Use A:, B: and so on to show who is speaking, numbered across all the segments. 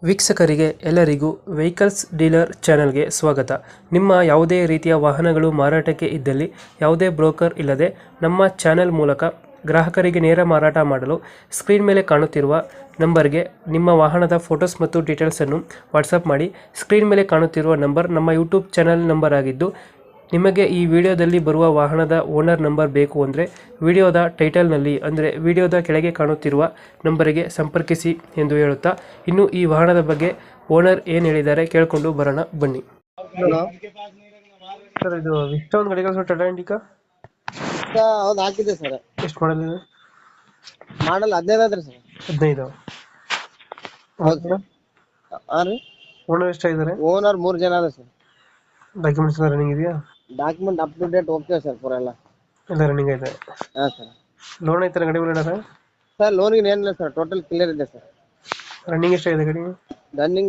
A: ವೀಕ್ಷಕರಿಗೆ ಎಲ್ಲರಿಗೂ vehicles dealer ಚಾನೆಲ್ಗೆ ಸ್ವಾಗತ. ನಿಮ್ಮ ಯಾವುದೇ ರೀತಿಯ ವಾಹನಗಳು ಮಾರಾಟಕ್ಕೆ ಇದ್ದಲ್ಲಿ ಯಾವುದೇ ಬ್ರೋಕರ್ ಇಲ್ಲದೆ ನಮ್ಮ ಚಾನೆಲ್ ಮೂಲಕ ಗ್ರಾಹಕರಿಗೆ ನೇರ ಮಾರಾಟ ಮಾಡಲು ಸ್ಕ್ರೀನ್ ಮೇಲೆ ಕಾಣುತ್ತಿರುವ ನಂಬರ್ಗೆ ನಿಮ್ಮ ವಾಹನದ ಫೋಟೋಸ್ ಮತ್ತು ಡೀಟೇಲ್ಸನ್ನು ವಾಟ್ಸಪ್ ಮಾಡಿ. ಸ್ಕ್ರೀನ್ ಮೇಲೆ ಕಾಣುತ್ತಿರುವ ನಂಬರ್ ನಮ್ಮ ಯೂಟ್ಯೂಬ್ ಚಾನೆಲ್ ನಂಬರ್ ಆಗಿದ್ದು, ನಿಮಗೆ ಈ ವಿಡಿಯೋದಲ್ಲಿ ಬರುವ ವಾಹನದ ಓನರ್ ನಂಬರ್ ಬೇಕು ಅಂದರೆ ವಿಡಿಯೋದ ಟೈಟಲ್ನಲ್ಲಿ ಅಂದರೆ ವಿಡಿಯೋದ ಕೆಳಗೆ ಕಾಣುತ್ತಿರುವ ನಂಬರಿಗೆ ಸಂಪರ್ಕಿಸಿ ಎಂದು ಹೇಳುತ್ತಾ, ಇನ್ನು ಈ ವಾಹನದ ಬಗ್ಗೆ ಓನರ್ ಏನು ಹೇಳಿದ್ದಾರೆ ಕೇಳಿಕೊಂಡು ಬರೋಣ ಬನ್ನಿ.
B: ಹಲೋ
A: ಸರ್, ಇದು ಇಷ್ಟ ಒಂದು ಗಾಡಿ ಕಳಿಸೋ ಟಾಟಾ ಇಂಡಿಕಾ
B: ಹೌದು ಹಾಕಿದೆ ಸರ್.
A: ಎಷ್ಟು ಮಾಡಲ್ ಇದೆ?
B: ಮಾಡಲ್ 15 ಅದ್ರಿ ಸರ್.
A: 15.
B: ಹೌದು ಸರ್. ಹಾ ರೀ.
A: ಓನರ್ ಎಷ್ಟಾಗಿದ್ದಾರೆ?
B: ಓನರ್ 3 ಜನ ಅದ ಸರ್.
A: ಡಾಕ್ಯುಮೆಂಟ್ಸ್ ಎಲ್ಲ ರನ್ನಿಂಗ್ ಇದೆಯಾ?
B: Document up to date okay sir ಪೂರ ಎಲ್ಲ.
A: ಎಲ್ಲ ರನ್ನಿಂಗ್ ಇದೆ.
B: ಹಾ ಸರ್.
A: ಲೋನ್ ಐತೆ ಗಾಡಿ ಮೇಲೆ?
B: ಸರ್ ಲೋನಿಗೆ ಏನಿಲ್ಲ ಸರ್, ಟೋಟಲ್ ಕ್ಲಿಯರ್ ಇದೆ ಸರ್.
A: ರನ್ನಿಂಗ್ ಎಷ್ಟಾಗಿದೆ ಗಾಡಿ?
B: ರನ್ನಿಂಗ್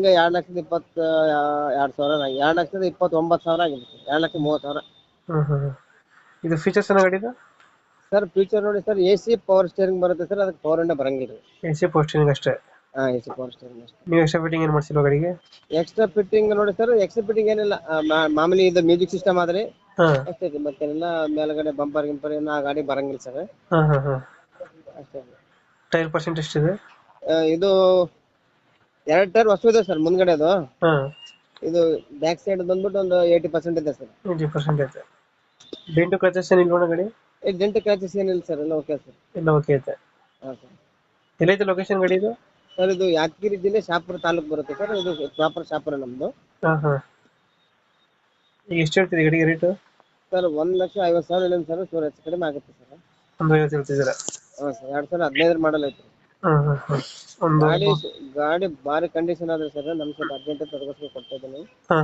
B: 2,20,2,29,000 ಆಗಿದೆ ಸರ್. 2,30,000.
A: ಇದು ಫೀಚರ್ಸ್ ಏನೋ ಗಾಡಿದು?
B: ಸರ್ ಫ್ಯೂಚರ್ ನೋಡಿ ಸರ್, AC ಪವರ್ ಸ್ಟೇರಿಂಗ್ ಬರುತ್ತೆ ಸರ್. ಅದಕ್ಕೆ ಪವರ್ ಇಂದ ಬರಂಗಿಲ್ಲ.
A: AC ಪೋಸ್ಟಿಂಗ್ ಅಷ್ಟೇ?
B: ಹಾ, AC ಪವರ್ ಸ್ಟೇರಿಂಗ್ ಅಷ್ಟೇ.
A: ನೀವು ಎಕ್ಸ್ಟ್ರಾ ಫಿಟ್ಟಿಂಗ್ ಏನು ಮಾಡಿಸಿಲ್ವ ಗಾಡಿಗೆ?
B: ಎಕ್ಸ್ಟ್ರಾ ಫಿಟ್ಟಿಂಗ್ ನೋಡಿ ಸರ್, ಎಕ್ಸ್ಟ್ರಾ ಫಿಟ್ಟಿಂಗ್ ಏನಿಲ್ಲ. ಮಾಮೂಲಿ ಇದು ಮ್ಯೂಸಿಕ್ ಸಿಸ್ಟಮ್ ಆದ್ರೆ
A: ಹಾಂ
B: ಅಷ್ಟೇ. ಮತ್ತೇನಿಲ್ಲ. ಮೇಲ್ಗಡೆ ಬಂಪರ್ ಗಿಂಪರ್ ಏನು ಆ ಗಾಡಿ ಬರಂಗಿಲ್ಲ ಸರ್.
A: ಹಾಂ
B: ಅಷ್ಟೇ.
A: ಟೈರ್ ಪರ್ಸೆಂಟ್ ಎಷ್ಟಿದೆ?
B: ಇದು 2 ಟೈರ್ ಹೊಸ ಇದೆ ಸರ್ ಮುಂದ್ಗಡೆ. ಅದು
A: ಹಾಂ,
B: ಇದು ಬ್ಯಾಕ್ ಸೈಡ್ ಬಂದ್ಬಿಟ್ಟು ಒಂದು 80% ಇದೆ ಸರ್.
A: 80% ಐತೆ. ಡೆಂಟು ಕ್ರಚಸ್ ಏನು ಇಲ್ವಣ ಗಾಡಿ?
B: ಡೆಂಟ್ ಕ್ರಾಚಸ್ ಏನಿಲ್ಲ ಸರ್, ಎಲ್ಲ ಓಕೆ ಸರ್.
A: ಎಲ್ಲ ಓಕೆ ಐತೆ.
B: ಹಾ ಸರ್.
A: ಎಲ್ಲೈತೆ ಲೊಕೇಶನ್ ಗಾಡಿ ಇದು?
B: ಸರ್ ಇದು ಯಾದಗಿರಿ ಜಿಲ್ಲೆ ಶಾಪುರ ತಾಲೂಕು ಬರುತ್ತೆ ಸರ್. ಇದು ಪ್ರಾಪರ್ ಶಾಪುರ ನಮ್ದು.
A: ಹಾಂ. ಈಗ ಎಷ್ಟು ಹೇಳ್ತೀರಿ ಗಾಡಿಗೆ ರೇಟು?
B: ಸರ್ 1,50,000 ಇಲ್ಲ ಸರ್. ಸರ್ ಹೆಚ್ಚು ಕಡಿಮೆ ಆಗುತ್ತೆ ಸರ್.
A: ಒಂದು 50 ಹೇಳ್ತಿದ್ದೀರಾ?
B: ಹಾ ಸರ್. 2015 ಮಾಡಲ್ ಐತೆ.
A: ಒಂದು
B: ಗಾಡಿ ಭಾರಿ ಕಂಡೀಷನ್ ಆದ್ರೆ ಸರ್. ನಮ್ ಸ್ವಲ್ಪ ಅರ್ಜೆಂಟ್ ತಗೋಸ್ಕರ ಕೊಡ್ತಾ ಇದ್ದೀನಿ.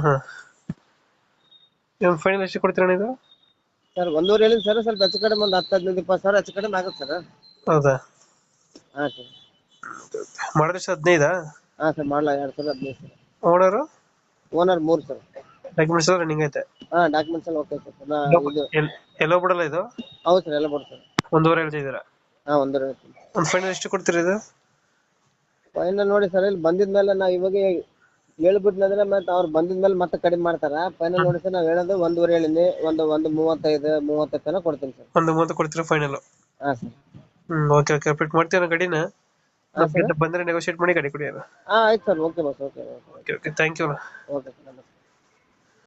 A: ಫೈನಲ್ ಎಷ್ಟು ಕೊಡ್ತೀರಾ ಇದು?
B: ಸರ್ 1,5 ಹೇಳಿದ್ ಸರ್. ಸ್ವಲ್ಪ ಹೆಚ್ಚು ಕಡಿಮೆ ಒಂದು 10-15-20 ಸಾವಿರ ಹೆಚ್ಚು ಕಡಿಮೆ ಆಗುತ್ತೆ ಸರ್.
A: ಹೌದಾ?
B: ಹಾ ಸರ್.
A: ಮಾಡಿದ್ರೆ 15?
B: ಹಾ ಸರ್. ಮಾಡಲ 2015 sir.
A: Owner?
B: Owner 3 sir.
A: Documents ಎಲ್ಲ ರನ್ನಿಂಗ್ ಐತೆ?
B: ಹಾ, ಡಾಕ್ಯುಮೆಂಟ್ಸ್ ಎಲ್ಲ ಓಕೆ ಸರ್. ಇದು
A: ಎಲ್ಲೋ ಬಿಡಲ್ಲ ಇದು?
B: ಹೌದು ಸರ್, ಎಲ್ಲ ಬೋದು ಸರ್.
A: 1.5 ಹೇಳ್ತಿದ್ದೀರಾ?
B: ಹಾ, 1,5.
A: ಒಂದು ಫೈನಲ್ ಎಷ್ಟು ಕೊಡ್ತೀರಾ ಇದು?
B: ಫೈನಲ್ ನೋಡಿ ಸರ್, ಇಲ್ಲಿ ಬಂದಿದ್ಮೇಲೆ ನಾ ಇವಾಗ ಹೇಳ್ಬಿಟ್ನಂದ್ರೆ ಮತ್ತೆ ಅವ್ರು ಬಂದಿದ್ಮೇಲೆ ಮತ್ತೆ ಕಡಿಮೆ ಮಾಡ್ತಾರ. ಫೈನಲ್ ನೋಡಿ ಸರ್, ನಾವ್ ಹೇಳೋದು 1,5 ಹೇಳಿನಿ. ಒಂದು 35 ತನಕ ಕೊಡ್ತೀನಿ ಸರ್.
A: 1.30 ಕೊಡ್ತೀರಾ ಫೈನಲ್?
B: ಹಾ ಸರ್.
A: ಓಕೆ ಅಪ್ಡೇಟ್ ಮಾಡ್ತೀರಾ ಗಾಡಿನ? ಬಂದ್ರೆ ನೆಗೋಶಿಯೇಟ್ ಮಾಡಿ ಗಾಡಿ ಕೊಡಿ.
B: ಹಾ ಆಯ್ತು sir. Okay boss. Okay
A: thank you.
B: Okay sir.